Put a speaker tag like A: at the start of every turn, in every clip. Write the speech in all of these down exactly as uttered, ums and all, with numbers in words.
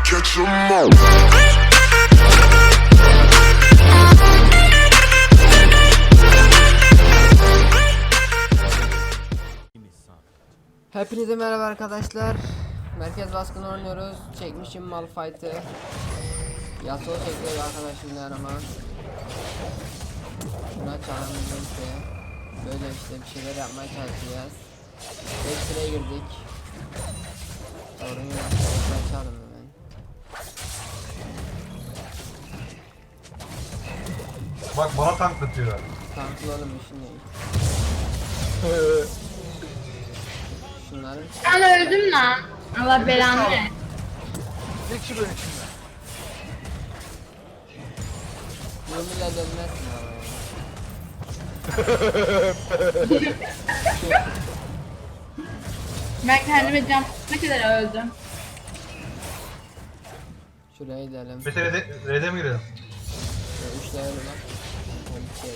A: catch 'em all.
B: Hepinize merhaba arkadaşlar. Merkez baskını oynuyoruz. Çekmişim Malphite'ı. Yasuo çekiyor arkadaşımla yanıma. Şuna çalalım neyse. Böyle işte bir şeyler yapmaya çalışacağız. beş sıraya girdik. Sorun yok. Açalım hemen.
C: Bak bana tanklatıyor.
B: Tanklı oğlum işin değil. Şunları
D: Ben öldüm lan. Allah belanı ver.
E: Ne kişi böyle şimdi?
B: Yumuyla dönmezsin ama.
D: Ben kendime can ne kadar öldüm.
B: Şuraya gidelim.
C: Mete Red'e Red'e mi girelim?
B: Üç level var. Şey.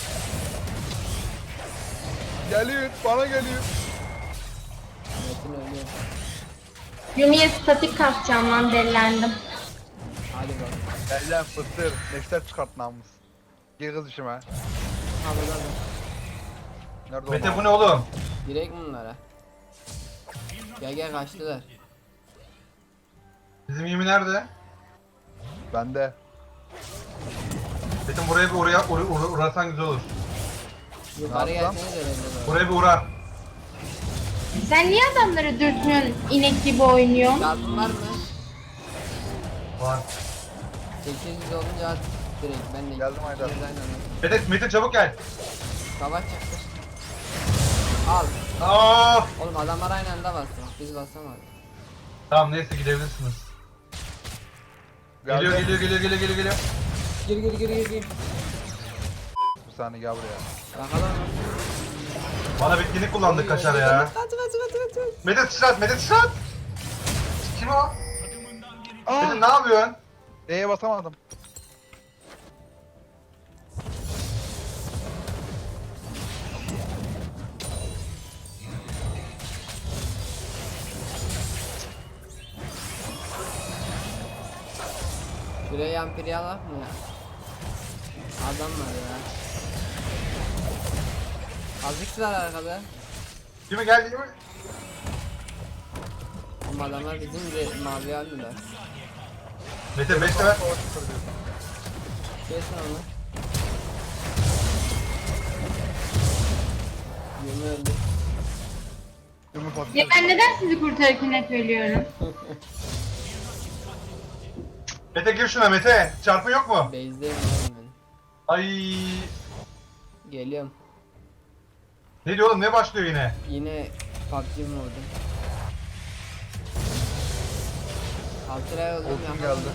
E: Geliyor, bana geliyor.
B: Metin ölüyor.
D: Yumi'ye statik kasacağım lan delilendim.
B: Hadi bak.
E: Gel lan fıstır, neşter çıkart namus. Gel kız işime.
B: Ha burada da.
E: Nerede o
C: Mete
E: namus?
C: bu ne oğlum?
B: Direkt bunlara. Gel gel kaçtılar.
C: Bizim Yumi nerede?
E: Bende.
C: Metin buraya bir oraya uğra, uğra, uğrasan güzel olur.
B: Yukarı
E: Ne yapsam?
B: gelseniz de belli olur.
C: Buraya bir uğra.
D: Sen niye adamları dürtmüyorsun inek gibi oynuyorsun?
B: Çarpım var mı?
C: Var.
B: sekiz yüz olunca at direkt ben de.
E: Geldim Haydar.
B: ikimiz aynı anda.
C: Mete, Mete çabuk gel.
B: Savaş çıktı. Al.
C: Aa!
B: Oğlum adamlar aynı anda bastı. Biz basamadık.
C: Tamam neyse gidebilirsiniz. Geliyor
E: Geldim.
C: geliyor geliyor geliyor geliyor geliyor.
B: Gir gir gir gir gir.
E: Bir saniye gel buraya.
B: Bakalım.
C: Bana bitkinlik kullandık kaçar ya.
B: Kaç kaç kaç kaç kaç.
C: Mete sıçrat Mete sıçrat. Kim o? Mete ne yapıyorsun?
E: E'ye basamadım.
B: Şuraya yampiri alak mı ya? Adam var ya. Azıcıklar arkada.
C: Yumi geldi Yumi.
B: Ama adamlar bizim de mavi aldılar.
C: Mete beş sever.
B: Kesin onu. Yumi öldü.
E: Yumru
D: Ya
E: patates.
D: ben neden sizi kurtarırken hep ölüyorum?
C: Mete gir şuna Mete. Çarpın yok mu?
B: Base'deyim oğlum ben.
C: Ay.
B: Geliyorum.
C: Ne diyor oğlum ne başlıyor yine?
B: Yine P U B G mi vurdum? altı lira oldum
E: Olsun
B: ya.
E: geldi.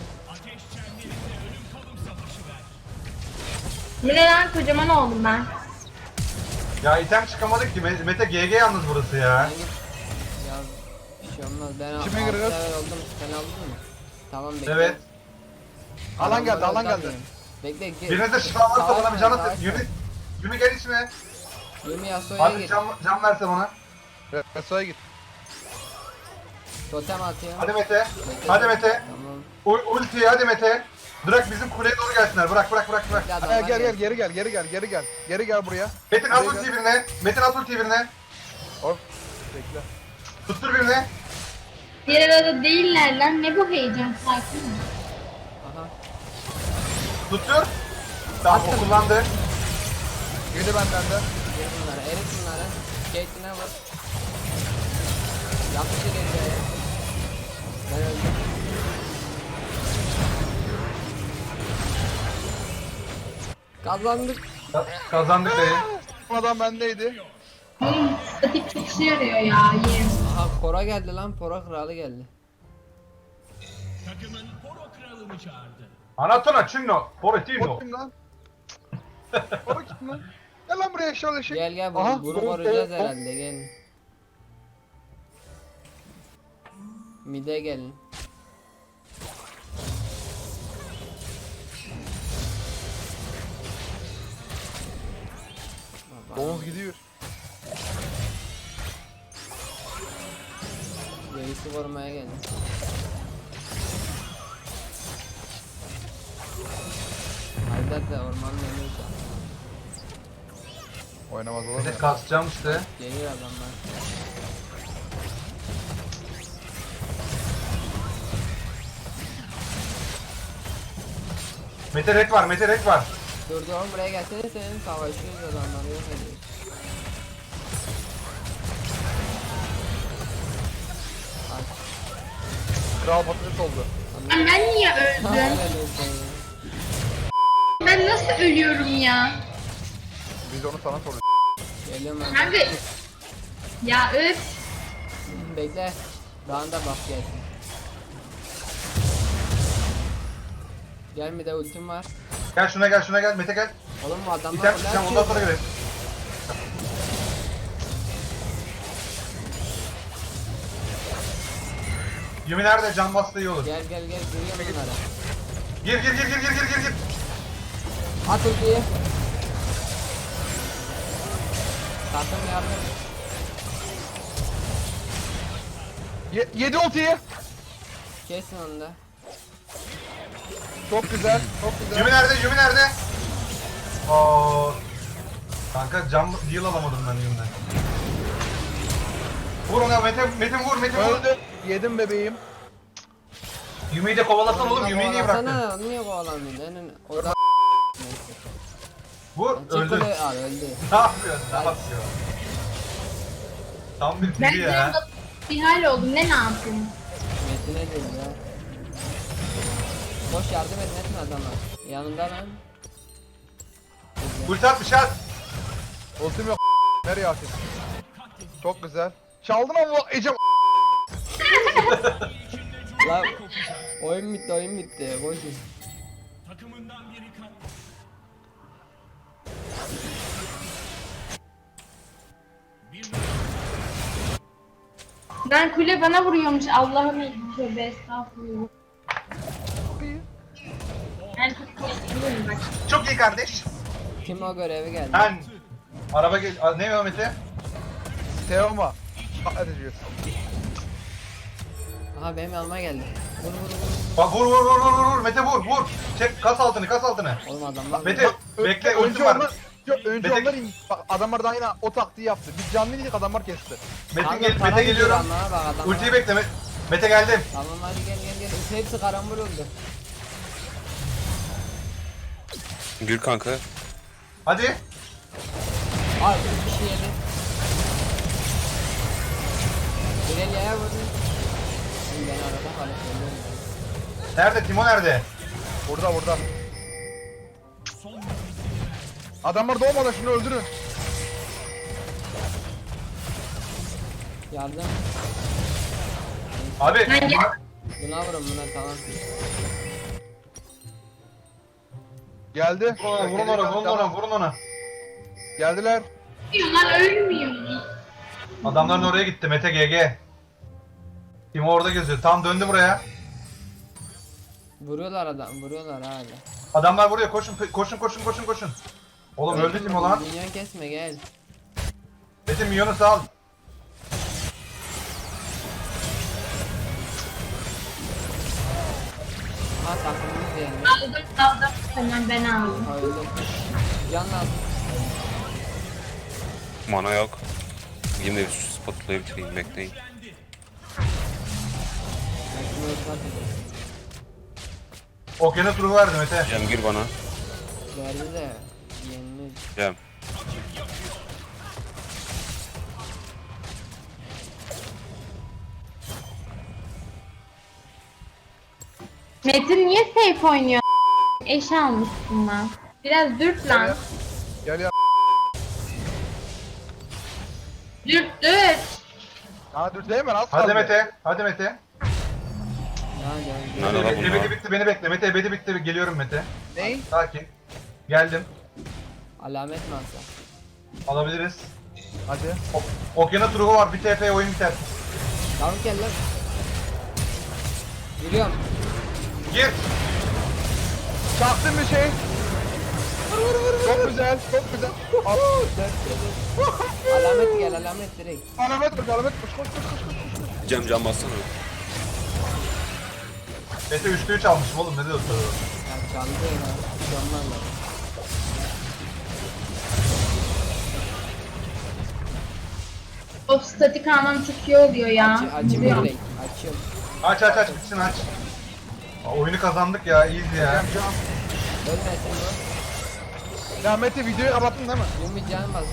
D: Bu ne lan kocaman oldum ben.
C: Ya item çıkamadık ki Me- Mete G G yalnız burası ya.
B: Ben git. Ya bir şey olmaz. Ben altı
E: Kime giriyoruz?
B: level oldum. Sen aldın mı? Tamam bekle.
C: Evet.
E: Alan geldi,
B: Adamları
E: alan geldi.
B: uzatmayayım. Bekle gir.
C: Birinize şifa varsa bana bir can
B: Savaşma,
C: atın. Yumi, Yumi gel içine.
B: Yumi Yasuo'ya
C: Hadi
B: git.
C: can, can verse bana.
E: Reso'ya git.
B: Totem atıyor.
C: Hadi Mete.
B: Bekle.
C: Hadi Mete.
B: Tamam.
C: U ultiyi hadi Mete. Bırak bizim kuleye doğru gelsinler. Bırak bırak bırak bırak.
B: Bekle
E: Gel
B: adamlar
E: gel gel
B: gelsin.
E: geri gel geri gel geri gel. Geri gel buraya.
C: Metin at
E: Gel,
C: ultiyi
E: gel.
C: birine. Metin at ultiyi birine.
E: Hop. Bekle.
C: Tuttur birine.
D: Diğer arada değiller lan ne bu heyecan sakin ol.
B: Aha.
C: Tuttur. Tamam o kullandı.
E: Yedi benden de.
B: Gir bunları. Erit bunları. Caitlyn'e vur. Yapıştır geriye. Ben öldüm. Kazandık.
C: Ka- Kazandık dayı.
E: Bu adam bendeydi.
D: Oğlum statik çok işe yarıyor ya yerim.
B: Aha Pora geldi lan. Pora kralı geldi.
C: Anatona Çinno.
E: O
C: Poretino.
E: kim lan? O kim lan? Gel lan buraya şöyle şey.
B: Gel gel
E: Aha,
B: bunu, bunu
E: o-
B: koruyacağız
E: o- o-
B: herhalde gelin. Mide gelin.
E: Domuz gidiyor.
B: Reisi korumaya geldim. zaten ormanın önünde şu an.
E: Oynamaz olur mu?
C: Mete kasacağım işte.
B: Geliyor adamlar.
C: Mete red var, Mete red var.
B: Dur dur oğlum buraya gelsene senin savaşıyoruz adamları yok ediyoruz. Aç.
E: Kral patates oldu.
D: Ben niye öldüm? Ben nasıl ölüyorum ya?
E: Biz onu sana soracağız.
B: Geliyorum ben.
D: Kanka. Ya öf.
B: Bekle. Daha da bak gelsin. Gel bir de ultim var.
C: Gel şuna gel, şuna gel. Mete gel.
B: Oğlum bu adamlar
C: İtem
B: kule
C: çıkacağım,
B: açıyor
C: ondan sonra
B: ya.
C: görelim. Yumi nerede? Can bastı iyi olur.
B: Gel gel gel giriyorum bunlara.
C: Gir gir gir gir gir gir gir gir.
B: At ultiyi. Takım yardım.
E: Ye yedi ultiyi.
B: Kesin onu da.
E: Çok güzel. Çok güzel.
C: Yumi nerede? Yumi nerede? Oo. Kanka can deal alamadım ben Yumi'den. Vur ona Mete, Mete vur, Mete vur.
E: Öldü. Yedim bebeğim.
C: Yumi'yi de kovalasan oğlum, Yumi'yi niye bıraktın?
B: Kovalasana, onu niye kovalamıyorsun? En- O da
C: Vur,
B: Çık
C: öldü.
B: kule al öldü.
C: Ne yapıyorsun? Ne yapıyor? Tam bir
D: Ben
C: deli
D: de
C: ya.
D: bir hal oldum. Ne ne yapayım?
B: Metine değil ya. Boş yardım edin etme adama. Yanında lan. Güzel.
C: Ulti atmış at.
E: Ultim yok. Nereye atayım? Çok güzel. Çaldın ama Ecem.
B: Lan oyun bitti oyun bitti. Boş ver.
D: Ben kule bana vuruyormuş. Allah'ım tövbe estağfurullah.
E: Çok iyi.
D: Ben çok korkuyorum bak.
C: Çok iyi kardeş.
B: Kim o görevi geldi?
C: Ben araba gel. A, ne o Mete?
E: Teoma. Hadi diyorsun.
B: Aha benim yanıma geldi. Vur vur vur.
C: Bak vur vur vur vur vur Mete vur vur. Çek kas altını kas altını.
B: Oğlum adamlar.
C: Mete bekle ulti
E: Önce
C: var.
E: onlar, Yok, önce
C: Mete-
E: onlar in. Bak adamlar da yine o taktiği yaptı. Biz canlı indik adamlar kesti.
C: Mete
B: Kanka,
C: gel
B: para
C: Mete
B: gidiyor
C: geliyorum.
B: ama bak adamlar.
C: Ultiyi bekle Me- Mete geldim.
B: Tamam hadi gel gel gel. Hepsi, hepsi karambol oldu.
A: Gül kanka.
C: Hadi.
B: Ay bir şey yedi. İleriye vurdu. Oğlum ben arada kalıp öldüm.
C: Nerede? Timo nerede?
E: Burada burada. Adamlar doğmadan şunu öldürün.
B: Yardım.
C: Abi.
D: Ben gel.
B: Buna vurun buna tamam.
E: Geldi.
C: Vurun ona, vurun ona, vurun ona, vurun ona.
E: Geldiler.
D: Ölmüyorlar ölmüyor.
C: Adamların oraya gitti Mete G G. Timo orada geziyor. Tam döndü buraya.
B: Vuruyorlar adam, vuruyorlar hala.
C: Adamlar buraya koşun koşun koşun koşun koşun. Oğlum öldü Timo lan.
B: Minyon kesme gel.
C: Mete milyonu sal.
B: Ha takımımız yani.
D: Aldım aldım. Hemen ben aldım.
B: Ha öldüm. Can lazım.
A: Mana yok. Yine bir şu spotlayı bitireyim bekleyin.
B: Ben şunu ölçmek edeyim.
C: Okyanus ruhu verdi Mete.
A: Cem gir bana.
B: Verdi de yenildi.
A: Cem.
D: Metin niye safe oynuyor? Eş almışsın lan. Biraz dürt lan.
E: Gel ya.
D: Dürt dürt.
E: Ha dur değil mi? Az
C: Hadi
E: kaldı.
C: Mete. Hadi Mete.
B: Ya gel.
A: Nerede lan
C: Ebedi
A: bunlar?
C: bitti beni bekle. Mete ebedi bitti. Geliyorum Mete.
E: Ney?
C: Sakin. Geldim.
B: Alamet mi alsa?
C: Alabiliriz.
E: Hadi.
C: O- Okyanus ruhu var. Bir T P oyun biter.
B: Tamam gel lan. Giriyorum.
C: Gir.
E: Çaktın bir şey. Çok güzel. Çok güzel. Al.
B: Alamet gel alamet direkt.
E: Alamet koş, alamet koş, koş, koş, koş, koş.
A: Cem can bassana.
C: Mete üçte üç almışım oğlum. Ne diyorsun?
B: Ya çaldı ya. Canlarla.
D: Of statik almam çok iyi oluyor ya.
B: Aç, açayım
D: Biliyorum.
B: direkt. Açıyorum.
C: Aç aç aç bitsin aç. Aa, oyunu kazandık ya easy ya.
E: Can.
B: Ölmesin bu.
E: Ya Mete videoyu kapattın değil mi?
B: Yumi canım bastı.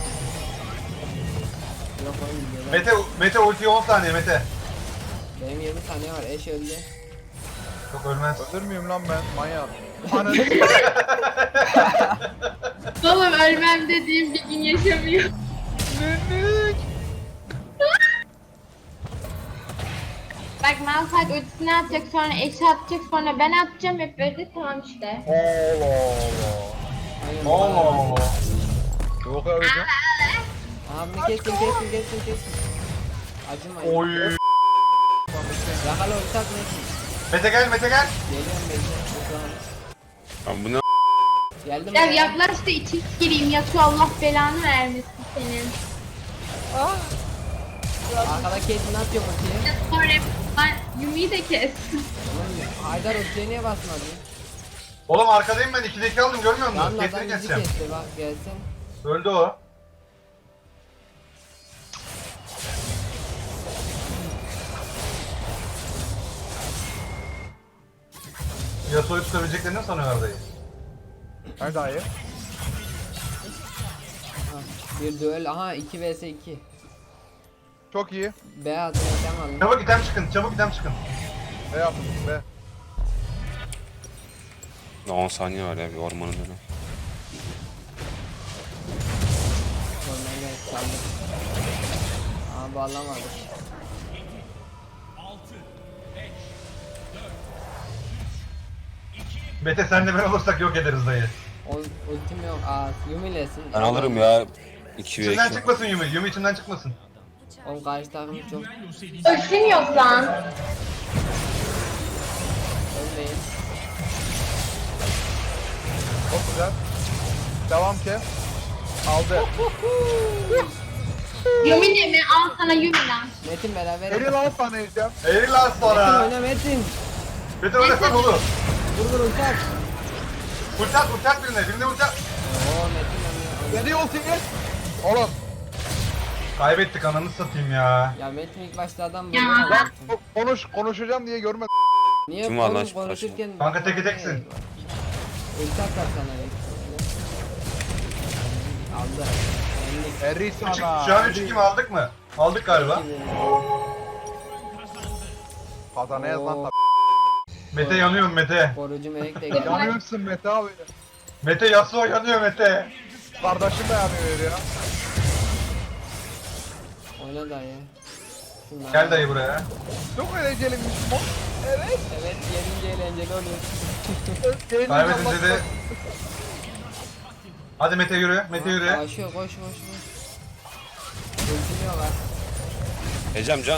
B: Yok oğlum gidiyorlar.
C: Mete Mete ulti on saniye Mete.
B: Benim yirmi saniye var. Eş öldü.
C: Yok ölmez.
E: Öldürmüyorum lan ben. Manyak. Ananı
D: Oğlum ölmem dediğim bir gün yaşamıyor.
E: s***lik.
D: Bak Malphite ultisini atacak, sonra eşi atacak, sonra ben atacağım, hep böyle tamam işte.
E: Allah Allah.
B: Aynen.
C: Allah Allah.
E: Yok öyle.
B: Abi kesin kesin kesin kesin. Acımayın.
C: Oy.
B: Yakala ortak nesin?
C: Mete gel Mete gel.
B: Geliyorum bekle.
A: Abi bu ne?
B: Geldim
D: Ya
B: buraya.
D: yaklaş da içi gireyim, Yasuo Allah belanı vermesin senin.
B: Arkada Caitlyn ne yapıyor ultiye?
D: Ya sonra ben Yumi'yi de kes.
B: Oğlum Haydar ultiye niye basmadı?
C: Oğlum arkadayım ben ikide iki aldım görmüyor musun?
B: Lan adam
C: Kesini
B: bizi
C: keseceğim.
B: kesti bak gelsin.
C: Öldü o. Yasuo'yu tutabileceklerini mi sanıyorlar dayı?
E: Nerede ayı?
B: Ha, bir duel aha iki vs iki.
E: Çok iyi.
B: B adını sen alın.
C: Çabuk item çıkın, çabuk item çıkın.
E: Ne yaptın be?
A: on saniye var ya bir ormanın önü.
B: Oradan gel çaldık. Aa bağlamadık.
C: Mete senle ben olursak yok ederiz dayı.
B: O ultim yok. Aa Yumi'lesin.
A: Ben alırım ya. iki ve
C: İçinden
A: iki.
C: çıkmasın Yumi, Yumi içinden çıkmasın.
B: Oğlum karşı takım çok
D: Ölçün yok lan.
B: ölmeyin.
E: Çok güzel. Devam ki. Aldı.
D: Yumi de mi? Al sana Yumi lan.
B: Metin beraber.
E: Eli lan sana yiyeceğim.
C: Eğil lan
B: Metin
C: sonra.
B: oyna Metin.
C: Mete oynasan olur.
B: Vur vur ulti at.
C: Ulti at, ulti at birine, birine ulti at.
B: Oo Metin oynuyor.
E: Geliyor ultiyi. Oğlum.
C: Kaybettik ananı satayım ya.
B: Ya Metin ilk başta adam
D: Ya.
B: buldu.
E: Lan ko- konuş konuşacağım diye görmedim.
B: Niye
A: Kim var lan
B: oğlum
A: şu
B: konuşurken...
C: Kanka teke teksin.
B: Ulti atar sana bekle. Aldı. Yendik.
E: Eri
C: Üç-
E: sana.
C: Şu an üç iki mi aldık mı? Aldık galiba.
E: Kazanayız lan
B: Oo.
E: tabii.
C: Mete yanıyorum Mete.
B: Korucu melek de geldi.
E: Yanıyorsun Mete abi.
C: Mete Yasuo yanıyor Mete.
E: Kardeşim de yanıyor ya.
B: Oyna dayı. Şunlar.
C: Gel dayı buraya.
E: Çok eğlenceliymiş bu. Evet.
B: Evet yenince eğlenceli oluyor.
C: Kaybedince de... Hadi Mete yürü, Mete yürü.
B: Koşuyor koş koş koş. Ultim yok ha.
A: Ecem can.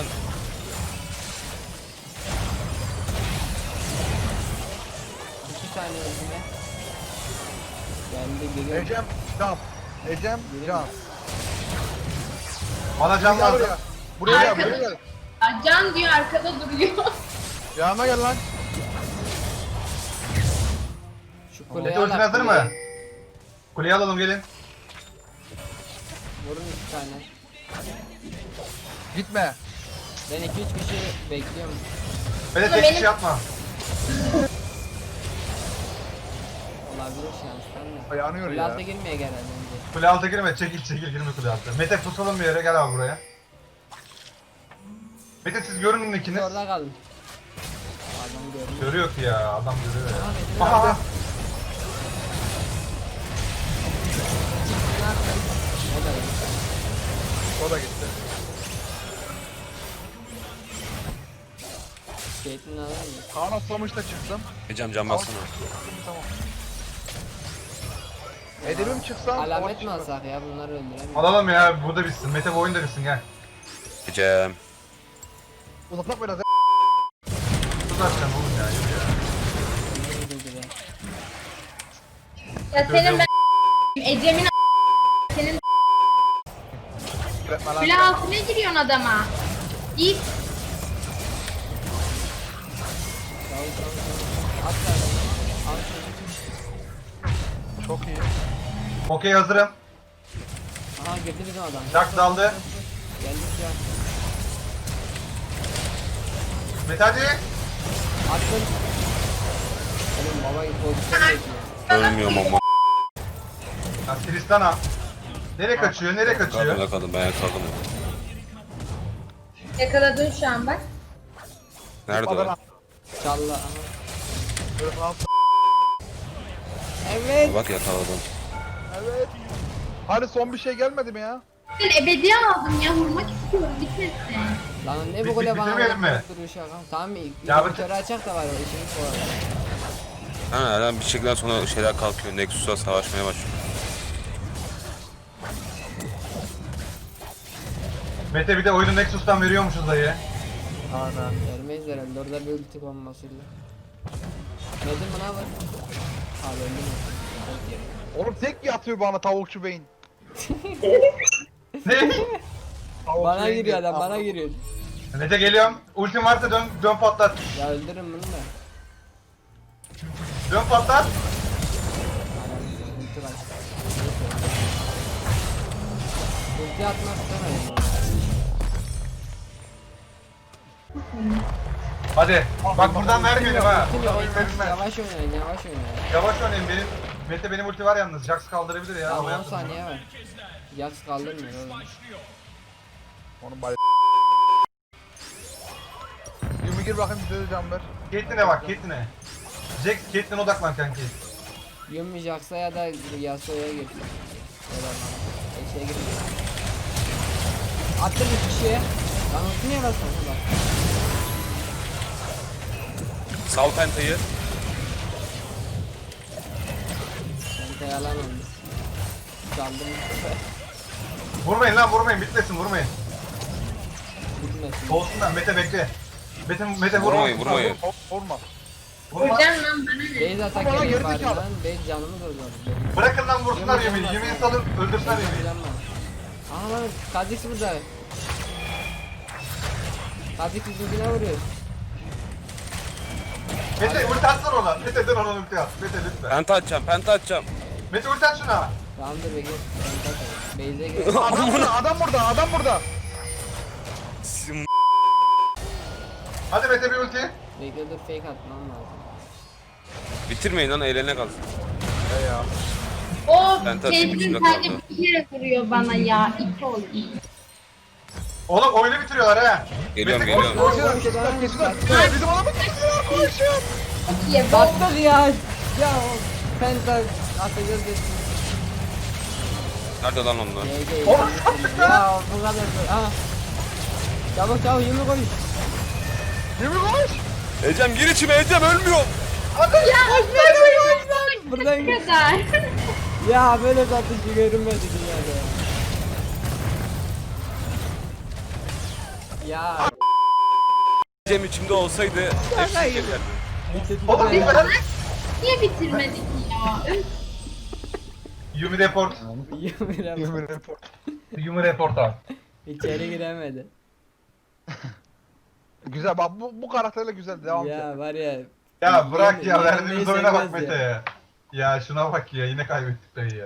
B: İki saniye ultime. Geldi geliyor.
E: Ecem Can. Ecem Can.
C: Bana can
E: Gel
C: lazım.
E: buraya. Buraya gel,
D: Arkada-
E: buraya gel.
D: Ya Can diyor arkada duruyor.
E: Yanıma gel lan.
B: Şu kuleyi
C: Mete
B: al.
C: ultin hazır mı? Kuleyi alalım gelin.
B: Vurun iki tane.
E: Gitme.
B: Ben iki üç kişi bekliyorum.
C: Mete
D: Ama
C: tek
D: benim-
C: kişi yapma.
B: Olabilir şanslar mı?
E: Yanıyor
B: Kule
E: ya.
B: alta girmeye gel önce.
C: Kule altı girme, çekil çekil girme kule altı. Mete tutalım bir yere, gel abi buraya. Mete siz görünün
B: Siz
C: ikiniz.
B: orada kalın. Adam görmüyor.
C: Görüyor ki ya, adam görüyor ya.
B: Aha Metin
C: Aha,
B: abi.
C: aha.
B: Ne yaptın? O da iyi.
E: O da gitti.
B: Caitlyn'i alır mı?
E: Kaan atlamış da çıktım.
A: Ecem can baksana.
E: Tamam. Edebim çıksam.
B: Alamet mi
E: ama
B: alsak ya bunları öldüremiyor.
C: Alalım ya, burada bitsin. Mete bu oyunda bitsin, gel.
A: Ecem.
E: Uzatmak biraz.
C: Tut açacağım oğlum ya, yürü ya.
B: Öldürdü be.
D: Ya senin ben Ecem'in a- senin
E: Üretme lan.
D: kule altına giriyorsun adama. Git.
B: Çabuk çabuk çabuk. At zaten. Al çabuk.
E: Çok iyi.
C: Okey hazırım.
B: Aha girdi bizim adam.
C: Jack daldı.
B: Geldi. ulti at.
C: Mete hadi.
B: Attın. Oğlum baba pozisyon bekliyor.
A: Ölmüyorum ama.
C: Ya Tristana. Nereye kaçıyor? Nereye
A: Kaldım
C: kaçıyor?
A: yakaladım ben yakaladım.
D: Yakaladın şu an bak.
A: Nerede
E: Adana.
A: o?
B: Çalla. Aha.
E: Böyle falan.
B: Evet.
A: Bak yakaladım.
E: Evet. Hani son bir şey gelmedi mi ya?
D: Ben ebedi aldım ya vurmak istiyorum bitmesin.
B: Lan ne
C: Bit-
B: bu kule
C: bit-
B: bana
C: bitiremeyelim mi?
B: duruyor şaka. Tamam mı?
C: Ya bu-
B: Motoru açak da var o işimiz bu arada.
A: Ha herhalde bir şekilde sonra şeyler kalkıyor. Nexus'a savaşmaya başlıyor.
C: Mete bir de oyunu Nexus'tan veriyormuşuz dayı.
E: Aynen.
B: Vermeyiz herhalde orada bir ulti bombasıyla. Nedim buna bak. Abi öldü mü?
E: Oğlum tek yatıyor bana tavukçu beyin.
C: Ne?
E: Tavukçu
B: Bana
E: beyin
B: giriyor
E: diye.
B: adam bana giriyor.
C: Mete geliyorum. Ultim varsa dön, dön patlat.
B: Ya öldürün bunu da.
C: Dön patlat.
B: Anam ulti var. Ulti atmak istemedim.
C: Hadi. Bak buradan vermeyelim ha.
B: Ulti
C: Buradan
B: oynayın,
C: verme.
B: yavaş oynayın yavaş oynayın.
C: Yavaş oynayın benim. Mete benim ulti var yalnız. Jax kaldırabilir ya.
B: Tamam
C: Ama
B: on
C: yaptım.
B: saniye var. Yax kaldırmıyor oğlum.
E: Onun bay. Yumi gir bakayım bize de can ver.
C: Caitlyn'e bak Caitlyn'e. Jax Caitlyn'e odaklan kanki.
B: Yumi Jax'a ya da Yasuo'ya gir. Ya da Eşeğe gir. Attım bir kişiye. Lan ulti niye basmadın bak.
A: Sal pentayı.
B: Ben de yalan olmuş. Çaldım.
C: Vurmayın lan vurmayın. Bitmesin vurmayın.
B: Bitmesin.
C: Olsunlar Mete bekle. Mete, Mete vurma.
A: Vurmayın vurmayın.
E: Vur- Vurma.
C: Vurma.
D: Vuracağım lan bana ne?
B: Beyz atak
E: Bana
B: yapayım
E: geri
B: bari
E: zekalı.
B: lan. Beyz canımı doldurdu.
C: Bırakın lan vursunlar Yumi'yi. Yumi'yi salın öldürsünler Yumi'yi.
B: Aha lan Kha'Zix burada. Kha'Zix yüzüne vuruyor.
C: Mete ulti atsana ona. Mete dön ona ulti at. Mete lütfen.
A: Penta atacağım penta atacağım.
C: Mete ulti at şuna.
B: Tamam dur bekle. Ben takarım. Beyz'e gir.
E: Adam burada, adam burada, adam burada.
A: Sim-
C: Hadi Mete bir ulti.
B: Bekle dur fake atmam lazım.
A: Bitirmeyin lan eğlenene kalsın.
E: He ya.
D: O
A: Ben tabii
D: Caitlyn
A: içimde
D: sadece
A: kaldı.
D: bir kere vuruyor bana ya. İki oldu.
C: Oğlum oyunu bitiriyorlar ha.
A: Geliyorum
C: Mete koş,
A: geliyorum.
C: koş.
E: Geçiler, geçiler, geçiler. Bizim adamı geçiler, koşuyor.
D: Çok iyi. Bak.
B: Battık ya. Ya o penta atacağız dedim.
A: Nerede lan onlar?
B: G G.
C: Oğlum sattık lan.
B: Ya bu kadar. Aha. Çabuk çabuk yirmi koy.
E: Yumi koş.
A: Ecem gir içime Ecem ölmüyor.
B: Buradan
D: Ne kadar?
B: ya böyle satıcı görünmedi dünyada. Ya.
A: Ecem içimde olsaydı hepsini çekerdim.
C: Oğlum
B: Ya.
C: lütfen.
D: Niye bitirmedik ya? Üf.
C: Yumi report.
B: Yirmi
E: Yumi report.
C: Yumi report al.
B: İçeri giremedi.
E: Güzel bak bu, bu karakterle güzel devam et.
B: Ya var ya.
C: Ya bırak ya
B: Yenilmeyi
C: verdiğimiz oyuna bak
B: sevmez ya.
C: Mete ya. Ya şuna bak ya yine kaybettik dayı ya.